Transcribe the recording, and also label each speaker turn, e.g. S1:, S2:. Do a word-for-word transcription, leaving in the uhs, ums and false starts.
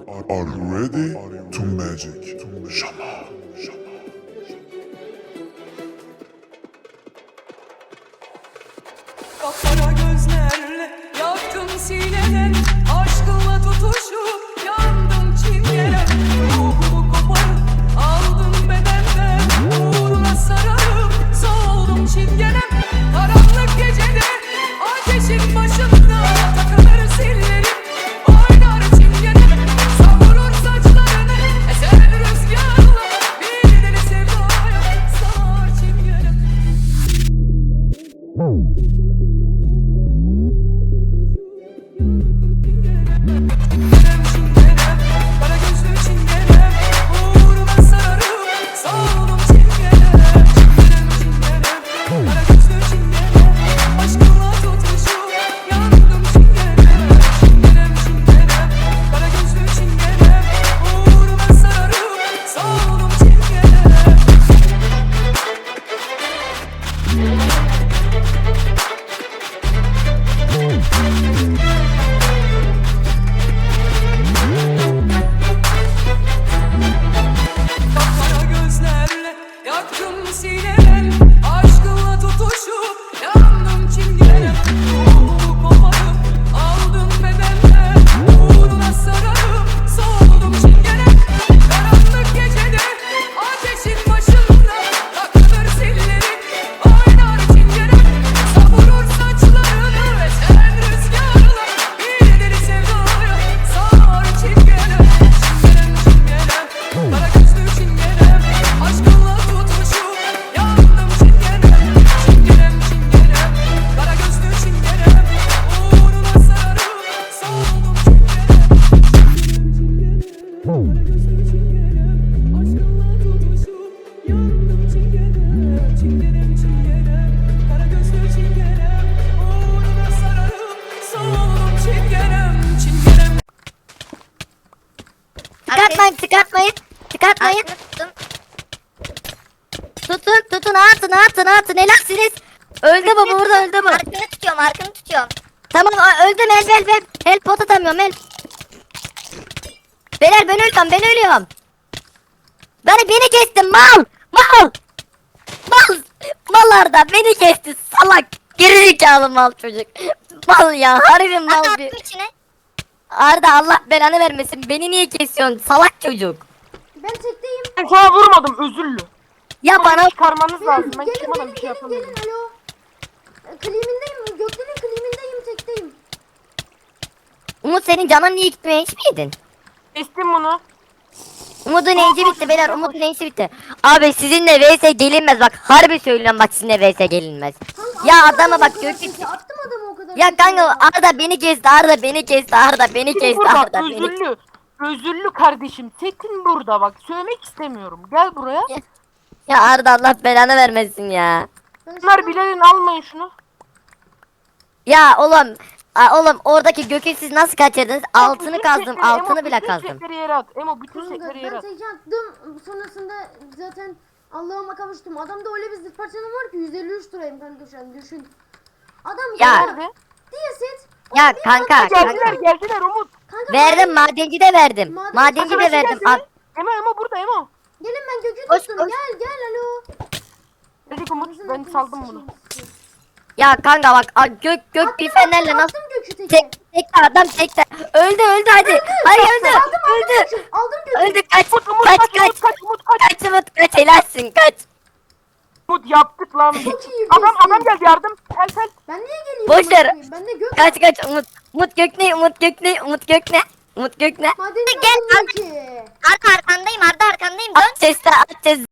S1: are you ready to magic? Şama.
S2: Kapkara gözlerle yaktım sineden, aşkınla tutuşup yandım çingene. Ruhumu koparıp aldım bedenden, uğruna sararıp soğudum çingene. Karanlık gecede ateşin başında takılır zillerim, oynar çingene. Savurur saçlarını esen rüzgarla, bir deli sevdaya sar çingene. Çingenem çingenem, kara gözlü çingenem, uğruna sararıp soğudum çingenem. Çingenem çingenem, kara gözlü çingenem, aşkınla tutuşup yandım çingenem. Çingenem çingenem, kara gözlü çingenem, uğruna sararıp soğudum çingenem. Kapkara gözlerle yaktım sineden, aşkınla tutuşup yandım çingene. Ruhumu koparıp aldım bedenden, uğruna sararıp soğudum çingene. Karanlık gecede ateşin başında takılır zillerim, oynar çingene. Savurur saçlarını esen rüzgarla, bir deli sevdaya sar çingene. Çingenem çingenem, kara gözlü çingenem, aşkınla tutuşup yandım çingene. Çingenem çingenem, kara gözlü çingenem, uğruna sararıp soğudum çingene. Çingenem çingenem, aşkınla tutuşup yandım çingene. Çingenem çingenem, kara gözlü çingenem, uğruna sararıp soğudum çingenem. Çingenem.
S3: Çıkartmayın, çıkartmayın, çıkartmayın.
S4: Tuttum.
S3: Tutun, tutun, atın, atın, atın. Helalsiniz. Öldü bu, burada öldü bu.
S4: Arkını tutuyorum, arkını tutuyorum.
S3: Tamam, ö- öldüm. Help, help, help. Help, pot atamıyorum, help. Beyler ben ölüyorum, ben ölüyorum. Beni, beni kestin, mal, mal. Mal, mal Arda, beni kesti, salak. Gerizekalı mal çocuk. Mal ya, harbi mal
S4: At
S3: bir.
S4: attım içine.
S3: Arda Allah belanı vermesin. Beni niye kesiyorsun, salak çocuk.
S5: Ben tekteyim.
S6: Ben sana vurmadım, özürlü.
S3: Ya bana
S6: Bana çıkarmanız lazım. Ben
S5: Gelin
S6: çıkmadan
S5: gelin
S6: bir şey
S5: gelin
S6: yapamıyorum.
S5: gelin alo. E, Klimindeyim. Göklerin klimindeyim, tekteyim.
S3: Umut, senin canın niye gitmiyor, hiç miydin?
S6: Kestim bunu.
S3: Umut'un enci bitti beyler, Umut'un enci bitti. Abi sizinle V S gelinmez bak, harbi söylüyorum bak, sizinle V S gelinmez.
S5: Kanka,
S3: Ya
S5: attım
S3: adama
S5: adamı
S3: bak,
S5: o kadar
S3: Gökçe.
S5: sesi, Attım adamı o kadar.
S3: Ya
S5: sesi
S3: kanka
S5: ya.
S3: Arda beni kesti, Arda beni kesti, Arda beni
S6: Tekin
S3: kesti,
S6: burada,
S3: Arda beni.
S6: özürlü. Özürlü kardeşim. Tekin burada bak. Söylemek istemiyorum. Gel buraya.
S3: Ya Arda Allah belanı vermesin ya.
S5: Ben
S6: Bunlar
S5: sana-
S6: Bilal'in, almayın şunu.
S3: Ya oğlum, a, oğlum oradaki gökü siz nasıl kaçırdınız? Altını
S6: Bütün
S3: kazdım,
S6: setleri,
S3: altını
S6: Emo,
S3: bile
S6: bütün
S3: kazdım.
S6: setleri yere at. Emo bütün
S5: Kanka,
S6: setleri yere
S5: ben
S6: at.
S5: tekte attım. Sonrasında zaten Allah'ıma kavuştum. Adamda öyle bir zırh parçanım var ki yüz elli üç lirayım kanka şu an, düşün. Adam
S3: Ya.
S6: Nerede?
S5: diye set.
S3: Ya kanka,
S6: Geldiler,
S3: kanka.
S6: geldiler Umut.
S5: Kanka
S3: Verdim, madenci de verdim.
S5: Maden-
S3: Madenci de
S6: Arkadaşı
S3: verdim.
S6: geldi.
S3: Al.
S6: Emo, Emo burada Emo.
S5: gelin, ben gökü
S3: Koş,
S5: tuttum.
S3: koş.
S5: Gel gel alo.
S6: Dedik Umut,
S5: Bizim
S6: ben
S5: hepimiz
S6: saldım bunu.
S5: sıçıyoruz.
S3: Ya kanka bak, a, gök gök
S5: Attım,
S3: bir fenerle
S5: attım,
S3: nasıl
S5: attım gökü teke.
S3: tek tekte adam tekte. Öldü öldü hadi. Hayır öldü.
S5: Aldım aldım
S3: Öldü.
S5: gökü. Aldım gökü.
S3: Öldü, kaç.
S6: Umut, Umut
S3: Kaç
S6: kaç,
S3: kaç.
S6: Umut kaç, Umut kaç.
S3: Kaç Umut, kaç, helalsin, kaç.
S6: Umut yaptık lan.
S5: Çok iyi
S6: Adam,
S5: kestin.
S6: adam geldi, yardım. Gel gel.
S5: Ben niye geleyim?
S3: Boş ver.
S5: bakayım? Ben de gök.
S3: Kaç kaç Umut. Umut gök ne? Umut gök ne? Umut gök ne? Umut gök ne?
S5: Madenci
S4: Gel,
S5: aldım gökü.
S4: Arda arkandayım, Arda arkandayım. Dön.
S3: At chest'e, at chest'e.